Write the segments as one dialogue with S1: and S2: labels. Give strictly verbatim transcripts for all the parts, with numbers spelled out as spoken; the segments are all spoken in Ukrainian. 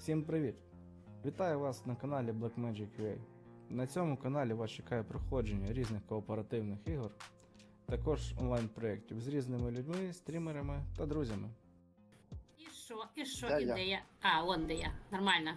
S1: Всім привіт! Вітаю вас на каналі Blackmagic.ua. На цьому каналі вас чекає проходження різних кооперативних ігор, також онлайн-проєктів з різними людьми, стрімерами та друзями.
S2: І що, і що,
S3: Де
S2: і
S3: я?
S2: де я? А, вон де я. Нормально.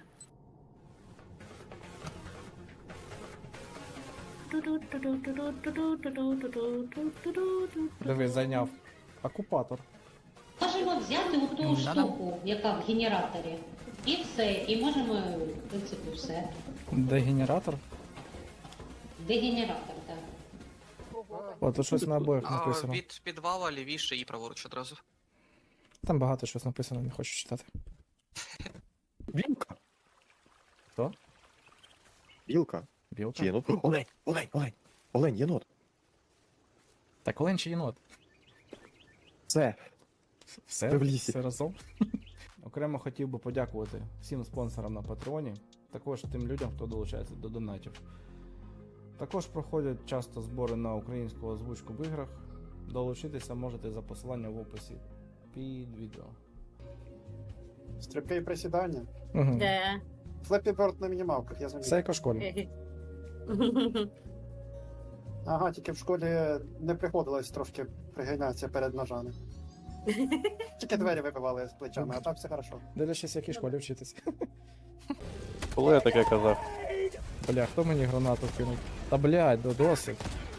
S1: Диви, зайняв окупатор.
S4: Можемо взяти у ту штуку, яка в генераторі, і все, і можемо, в принципі, все.
S1: Де генератор?
S4: Дегенератор, так.
S1: О, тут щось на обоїх
S5: А,
S1: написано.
S5: від підвала лівіше і праворуч одразу.
S1: Там багато щось написано, не хочу читати.
S3: Білка.
S1: Хто?
S3: Білка.
S1: Білка?
S3: Чи єнот? Олень, олень, олень. Олень, єнот.
S1: Так олень чи єнот?
S3: Це.
S1: Все,
S3: Ви в лісі.
S1: все разом. Окремо хотів би подякувати всім спонсорам на Патреоні, також тим людям, хто долучається до донатів. Також проходять часто збори на українську озвучку в іграх. Долучитися можете за посиланням в описі під відео.
S6: Стрибки і присідання.
S1: Угу.
S2: Де?
S6: Флеппі Берд на мінімалках, я замітив.
S1: Все як у школі.
S6: Ага, тільки в школі не приходилось трошки пригинатися перед ножами. Тільки двері вибивали з плечами, а так все хорошо.
S1: Дивлячись, в якій школі вчитись.
S3: Коли я таке казав?
S1: Бля, хто мені гранату кинув? Та блядь, до досить.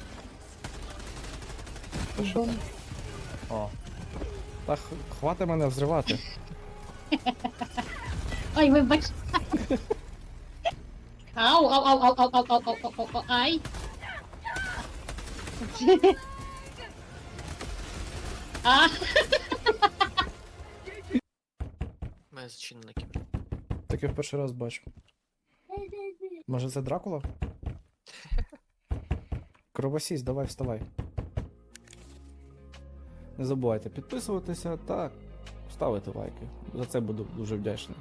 S1: О. Та х- хвати мене взривати.
S4: Ой, вибач. Ау, ау, ау, ау, ау, ау, ау, ау, ау, ау, ай. А,
S5: Має зачинений кібер.
S1: Таке в перший раз бачу. Може це Дракула? Кровосісь, давай вставай. Не забувайте підписуватися та ставити лайки. За це буду дуже вдячний.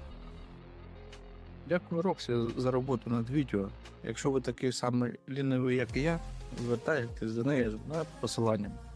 S7: Дякую, Роксі, за роботу над відео. Якщо ви такий самий лінивий, як і я, звертайтесь до неї за посиланням.